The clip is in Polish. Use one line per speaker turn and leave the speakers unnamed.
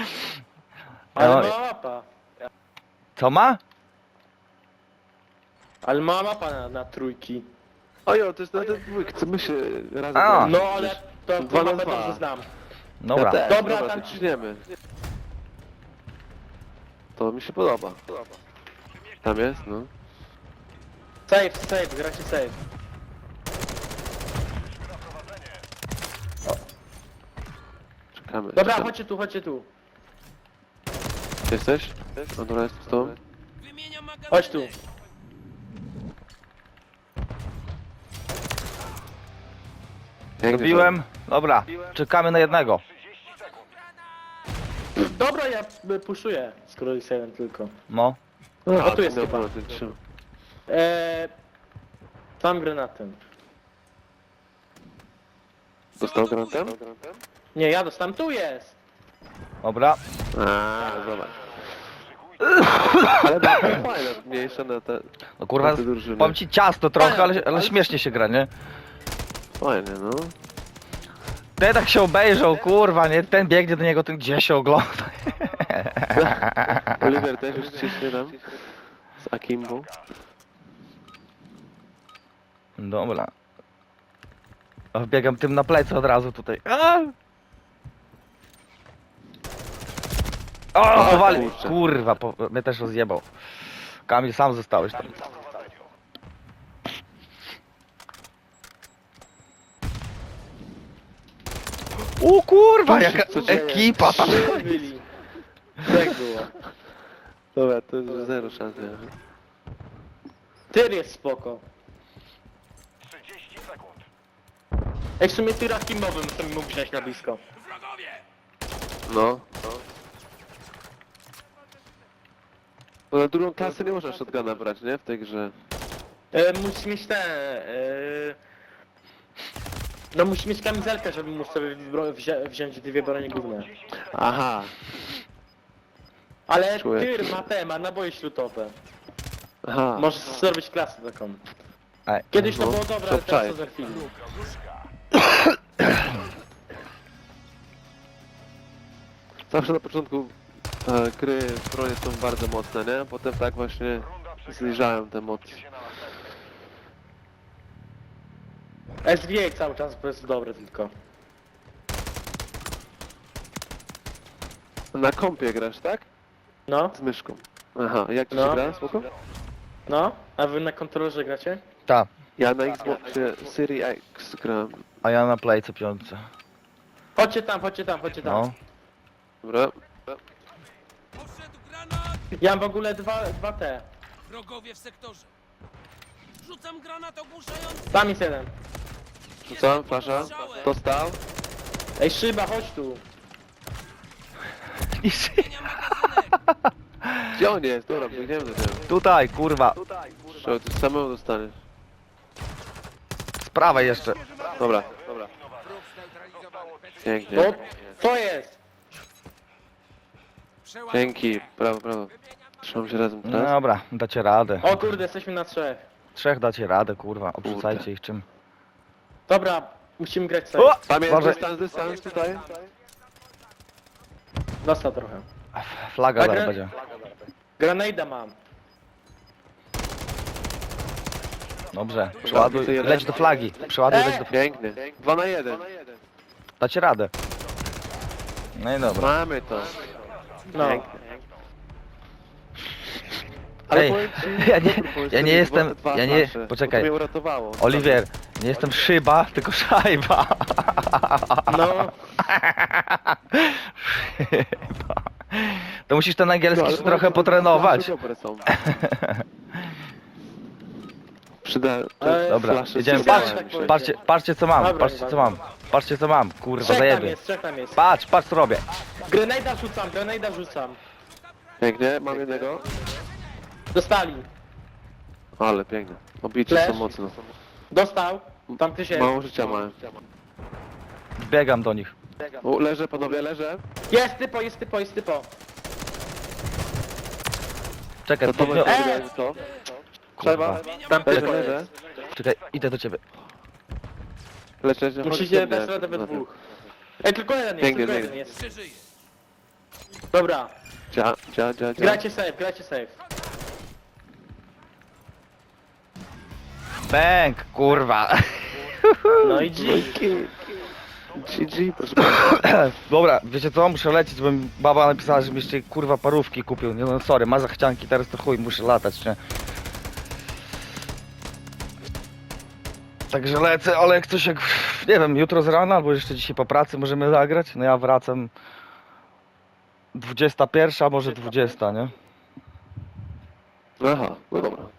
Ale
No,
mała mapa.
co ma?
Ale mała mapa na trójki.
Ojo, to jest na ten dwójk, co my się razem
A.
graliśmy
No ale
przecież.
to
Dwa na
mapę
dwa.
dobrze znam.
Dobra.
Ja też,
Dobra,
dobra,
tam-
to ciśniemy. To mi się podoba. Tam jest, no.
Save, gracie save.
Czekamy.
Dobra,
czekamy.
chodźcie tu.
Gdzie jesteś? No dobra, jest z tobą.
Chodź tu.
Pięknie,
Zrobiłem. Dobra, czekamy na jednego.
Dobra, ja puszuję, skoro jest jeden tylko.
No.
No,
O, tu jest
miał
chyba.
ponad ten trzy.
Tam granatem.
Dostał granatem?
Nie, ja dostałem, tu jest!
Dobra.
A, zobacz. Ale bardzo fajne, mniejsze na te...
No kurwa,
na te drużyny.
powiem ci ciasto trochę, ale śmiesznie się gra, nie?
Fajnie, no.
Ten tak się obejrzał, kurwa, nie? Ten biegnie do niego, ten gdzie się ogląda.
Oliver też już ciśnie tam. Z Akimbo.
Dobra. O, biegam tym na plecy od razu tutaj. A! O, powali!
kurczę.
Kurwa, mnie też rozjebał. Kamil, sam zostałeś tam. O kurwa, jaka
Co się dzieje?
ekipa tam.
Byli. Tak było.
Dobra, to jest zero szans.
Tyr jest spoko. Ej, w sumie tyra kimowym to mi mógł wziąć na blisko.
No. No na drugą klasę nie można shotguna brać, nie? W tej grze.
Musisz mieć no musisz mieć kamizelkę, żeby móc sobie wziąć dwie bronie główne.
Aha.
Ale
Czuję.
tyr ma naboje śrutowe.
Aha.
Możesz zrobić klasę taką.
Ej,
Kiedyś to
No,
było dobre,
to
ale teraz
wczaj.
to zerfili.
Zawsze na początku gry bronie są bardzo mocne, nie? Potem tak właśnie zniżają te mocy.
SVA cały czas jest dobre tylko.
Na kompie grasz, tak?
No,
Z myszką. Aha, jak ci się
No.
gra? Spoko?
no. A wy na kontrolerze gracie?
ta,
Ja na Xboxie Series X gram.
a ja na playce piątce.
Chodźcie tam.
No.
Dobra.
Poszedł granat!
Ja mam w ogóle dwa te.
Wrogowie w sektorze. Rzucam granat ogłuszający.
Tam jest jeden.
Rzucam, flasza. Dostał.
Ej, szyba, chodź tu.
Zmieniam magazynek.
Gdzie on jest? Dobra, biegniemy do niego.
Tutaj, kurwa.
Trzeba, ty samemu dostaniesz.
Z prawej jeszcze.
Dobra. Pięknie.
O, co jest?
Dzięki. Brawo, brawo. Trzymam się razem teraz.
Dobra, dacie radę.
O kurde, jesteśmy na trzech.
Trzech dacie radę, kurwa. Obrzucajcie ich czym.
Dobra, musimy grać sobie.
O!
Tam jest
Boże.
dystans tutaj.
Dostał trochę.
Flaga
A
zaraz
gra-
będzie.
Grenada mam.
Dobrze, przeładuj, leć do flagi. Przeładuj, leć do flagi.
Pięknie. 2 na 1.
Dacie radę. No i dobra.
Mamy to.
No.
Pięknie. Ale
Ej,
powiem ci,
ja nie-
dobry pomysł,
ja nie
te
jestem-
dwa
ja nie-
flasze.
poczekaj.
To mnie uratowało.
Oliwier, nie jestem szyba, tylko szajba.
No.
Szyba. To musisz ten angielski
ale
jeszcze trochę
flasze
potrenować.
dobre są. Przyda...
Dobra,
flasze
jedziemy.
przydają
Patrz,
mi
tak
się.
powiem.
Patrzcie co mam,
Dobra,
patrzcie co mam. Patrzcie co mam, kurwa,
Trzech tam
zajebie.
jest, trzech tam jest.
Patrz co robię.
Grenada rzucam.
Pięknie, mam jednego.
Dostali.
Ale pięknie. Obici
Flash.
są mocno.
Dostał. Tam ktoś jest.
Mało życia mają.
Biegam do nich.
O, leżę panowie, leżę.
Jest typo.
Czekaj,
To to
podniosę.
będzie to. Trzeba.
Tam
Leżę,
typo
leżę.
jest.
Czekaj, idę do ciebie.
Leczę,
Musicie dać radę we dwóch. Ej, tylko jeden jest,
Pięknie,
tylko jeden
pięknie.
jest.
Przeżyję.
Dobra,
Dzia.
grajcie safe.
Bęk, kurwa.
No i G.
GG, proszę bardzo.
Dobra, wiecie co? Muszę lecieć, bo mi baba napisała, żebym jeszcze kurwa parówki kupił. Nie no, sorry, ma zachcianki, teraz to chuj, muszę latać, nie? Także lecę, ale jak coś jak, nie wiem, jutro z rana, albo jeszcze dzisiaj po pracy możemy zagrać. No ja wracam 21, może 20, nie?
Aha, no dobra.